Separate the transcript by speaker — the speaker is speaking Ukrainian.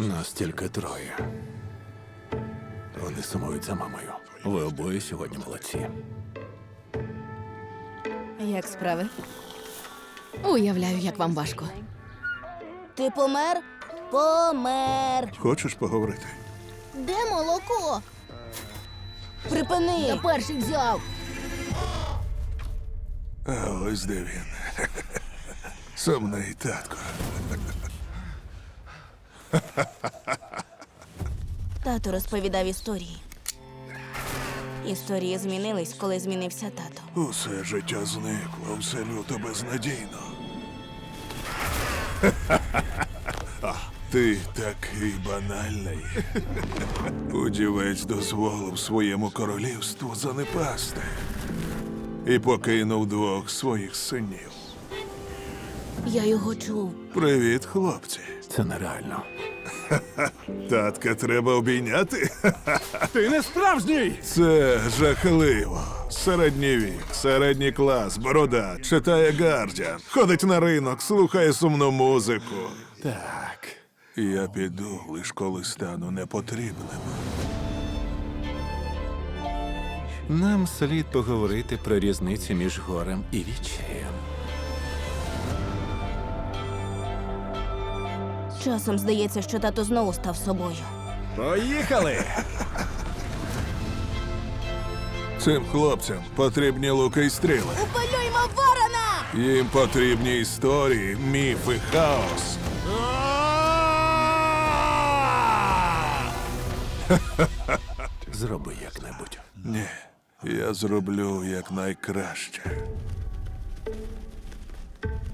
Speaker 1: Нас тільки троє. Вони сумують за мамою. Ви обоє сьогодні молодці.
Speaker 2: Як справи?
Speaker 3: Уявляю, як вам важко.
Speaker 2: Ти помер? Помер.
Speaker 4: Хочеш поговорити?
Speaker 2: Де молоко? Припини. Я перший взяв.
Speaker 4: А ось де він. Сумний татко.
Speaker 2: Тато розповідав історії. Історії змінились, коли змінився тато.
Speaker 4: Усе життя зникло, все люто безнадійно. Ти такий банальний. Удівець дозволив своєму королівству занепасти. І покинув двох своїх синів.
Speaker 2: Я його чув.
Speaker 4: Привіт, хлопці.
Speaker 1: Це нереально.
Speaker 4: Татка треба обійняти?
Speaker 1: Ти не справжній!
Speaker 4: Це жахливо. Середній вік, середній клас, борода, читає Гардіан, ходить на ринок, слухає сумну музику.
Speaker 1: Так.
Speaker 4: Я піду, лиш коли стану непотрібним.
Speaker 1: Нам слід поговорити про різниці між горем і відчаєм.
Speaker 2: Часом здається, що тато знову став собою.
Speaker 1: Поїхали!
Speaker 4: Цим хлопцям потрібні луки й стріли.
Speaker 2: Полюймо ворона!
Speaker 4: Їм потрібні історії, міфи, хаос.
Speaker 1: Зроби як-небудь.
Speaker 4: Ні, я зроблю якнайкраще.